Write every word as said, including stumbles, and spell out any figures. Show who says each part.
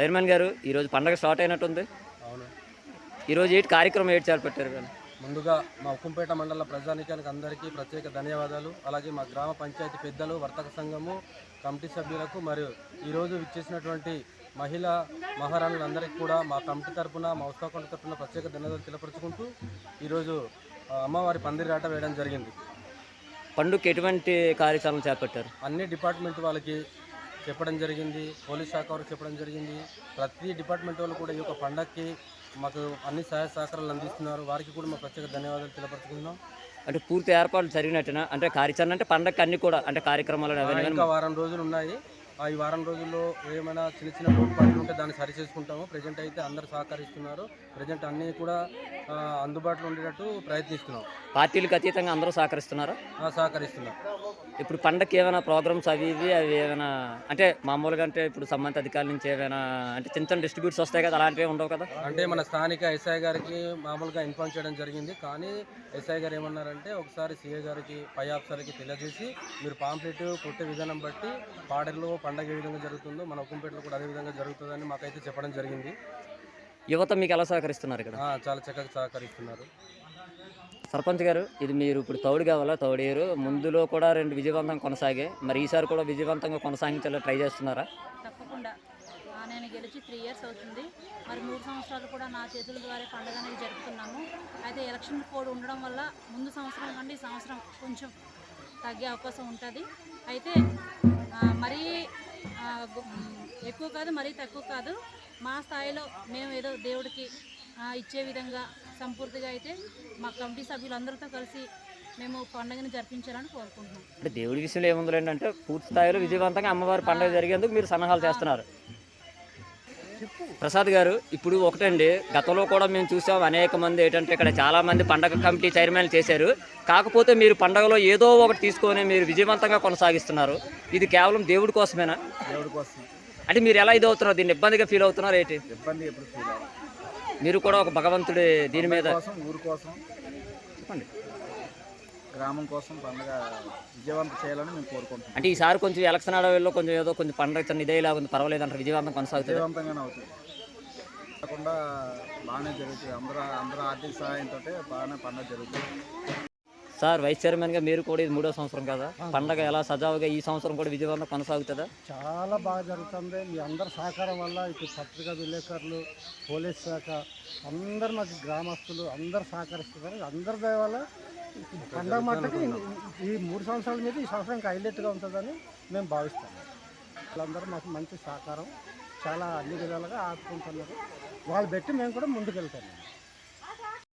Speaker 1: Chairman గారు ఈరోజు పండగ స్టార్ట్ అయినట్టుంది.
Speaker 2: అవును.
Speaker 1: ఈరోజు ఏంటి కార్యక్రమం ఏంటి చేపట్టారు కానీ?
Speaker 2: ముందుగా మా ఉక్కుంపేట మండల ప్రజానీకానికి అందరికీ ప్రత్యేక ధన్యవాదాలు. అలాగే మా గ్రామ పంచాయతీ పెద్దలు, వర్తక సంఘము, కమిటీ సభ్యులకు మరియు ఈరోజు ఇచ్చేసినటువంటి మహిళా మహారాణులందరికీ కూడా మా కమిటీ తరఫున, మా ఉత్సాహకొండ తరఫున ప్రత్యేక ధన్యవాదాలు తెలపరుచుకుంటూ ఈరోజు అమ్మవారి పందిరాట వేయడం జరిగింది.
Speaker 1: పండుగకి ఎటువంటి కార్యక్రమాలు చేపట్టారు?
Speaker 2: అన్ని డిపార్ట్మెంట్ వాళ్ళకి చెప్పడం జరిగింది, పోలీస్ శాఖ వారికి చెప్పడం జరిగింది. ప్రతి డిపార్ట్మెంట్ వాళ్ళు కూడా ఈ యొక్క పండగకి మాకు అన్ని సహాయ సహకారాలు అందిస్తున్నారు. వారికి కూడా మా ప్రత్యేక ధన్యవాదాలు తెలపరుచుకుంటున్నాం.
Speaker 1: అంటే పూర్తి ఏర్పాట్లు జరిగినట్టున అంటే కార్యాచరణ అంటే పండగకి అన్ని కూడా అంటే కార్యక్రమాలు
Speaker 2: ఇంకా వారం రోజులు ఉన్నాయి. ఈ వారం రోజుల్లో ఏమైనా చిన్న చిన్న లోటుపాట్లు ఉంటే దాన్ని సరి చేసుకుంటాము. ప్రజెంట్ అయితే అందరు సహకరిస్తున్నారు. ప్రజెంట్ అన్నీ కూడా అందుబాటులో ఉండేటట్టు ప్రయత్నిస్తున్నాం.
Speaker 1: పార్టీలకు అతీతంగా అందరూ సహకరిస్తున్నారా?
Speaker 2: సహకరిస్తున్నారు.
Speaker 1: ఇప్పుడు పండగకి ఏమైనా ప్రోగ్రామ్స్ అవి ఇవి అవి ఏమైనా అంటే మామూలుగా అంటే ఇప్పుడు సంబంధిత అధికారుల నుంచి ఏమైనా అంటే చిన్న చిన్న డిస్ట్రిబ్యూట్స్ వస్తాయి కదా, అలాంటివి ఉండవు కదా?
Speaker 2: అంటే మన స్థానిక ఎస్ఐ గారికి మామూలుగా ఇన్ఫార్మ్ చేయడం జరిగింది. కానీ ఎస్ఐ గారు ఏమన్నారంటే ఒకసారి సిఐ గారికి, పై ఆఫీసర్కి తెలియజేసి మీరు పాంప్లెట్ కొట్టే విధానం బట్టి పాడేరులో పండగ ఏ విధంగా జరుగుతుందో మన ఉక్కుంపేటలో కూడా అదే విధంగా జరుగుతుందని మాకైతే చెప్పడం జరిగింది.
Speaker 1: యువత మీకు ఎలా సహకరిస్తున్నారు ఇక్కడ?
Speaker 2: చాలా చక్కగా సహకరిస్తున్నారు.
Speaker 1: సర్పంచ్ గారు, ఇది మీరు ఇప్పుడు తౌడు కావాలా? తౌడేరు ముందులో కూడా రెండు విజయవంతంగా కొనసాగే, మరి ఈసారి కూడా విజయవంతంగా కొనసాగించాలో ట్రై చేస్తున్నారా?
Speaker 3: తప్పకుండా. నేను గెలిచి త్రీ ఇయర్స్ అవుతుంది. మరి మూడు సంవత్సరాలు కూడా నా చేతుల ద్వారా పండుగ అనేది జరుపుతున్నాము. అయితే ఎలక్షన్ కోడ్ ఉండడం వల్ల ముందు సంవత్సరం కంటే ఈ సంవత్సరం కొంచెం తగ్గే అవకాశం ఉంటుంది. అయితే మరీ ఎక్కువ కాదు, మరీ తక్కువ కాదు. మా స్థాయిలో మేము ఏదో దేవుడికి ఇచ్చే విధంగా సంపూర్తిగా అయితే మా కమిటీ సభ్యులందరితో కలిసి మేము పండుగను జరిపించాలని కోరుకుంటున్నాం.
Speaker 1: అంటే దేవుడి విషయంలో ఏముంది ఏంటంటే పూర్తి స్థాయిలో విజయవంతంగా అమ్మవారి పండుగ జరిగేందుకు మీరు సన్నాహాలు చేస్తున్నారు. ప్రసాద్ గారు, ఇప్పుడు ఒకటండి, గతంలో కూడా మేము చూసాం అనేక మంది ఏంటంటే ఇక్కడ చాలామంది పండగ కమిటీ చైర్మన్లు చేశారు. కాకపోతే మీరు పండగలో ఏదో ఒకటి తీసుకొని మీరు విజయవంతంగా కొనసాగిస్తున్నారు. ఇది కేవలం దేవుడి కోసమేనా?
Speaker 2: దేవుడి కోసం.
Speaker 1: అంటే మీరు ఎలా ఇది అవుతున్నారు? దీన్ని ఇబ్బందిగా ఫీల్ అవుతున్నారు ఏంటి?
Speaker 2: ఇబ్బంది ఎప్పుడు ఫీల్ అవ్వాలి.
Speaker 1: మీరు కూడా ఒక భగవంతుడి దీని మీద
Speaker 2: ఊరు కోసం,
Speaker 1: చెప్పండి,
Speaker 2: గ్రామం కోసం పండుగ విజయవంతం చేయాలని మేము కోరుకుంటున్నాం.
Speaker 1: అంటే ఈసారి కొంచెం ఎలక్షన్ అడవిలో కొంచెం ఏదో కొంచెం పండుగ చిన్న ఇదే లాగా ఉంది, పర్వాలేదు అంటారు, విజయవంతం కొనసాగుతుంది?
Speaker 2: విజయవంతంగానే అవుతుంది. కాకుండా బాగానే జరుగుతుంది. అందరూ అందరూ ఆర్థిక సహాయంతో బాగానే పండుగ జరుగుతుంది.
Speaker 1: సార్, వైస్ చైర్మన్గా మీరు కూడా ఇది మూడో సంవత్సరం కదా, పండగ ఎలా సజావుగా ఈ సంవత్సరం కూడా విజయవంతం కొనసాగుతుందా?
Speaker 4: చాలా బాగా జరుగుతుంది. మీ అందరి సహకారం వల్ల ఇటు పత్రికా విలేకరులు, పోలీస్ శాఖ అందరు, మాకు గ్రామస్తులు అందరు సహకరిస్తున్నారు. అందరి దయ వల్ల పండగ మట్టుకు ఈ మూడు సంవత్సరాల మీద ఈ సంవత్సరం హైలైట్గా ఉంటుందని మేము భావిస్తాము. వాళ్ళందరూ మాకు మంచి సహకారం చాలా అన్ని విధాలుగా ఆదుకుంటున్నారు. వాళ్ళు పెట్టి మేము కూడా ముందుకు వెళ్తాము.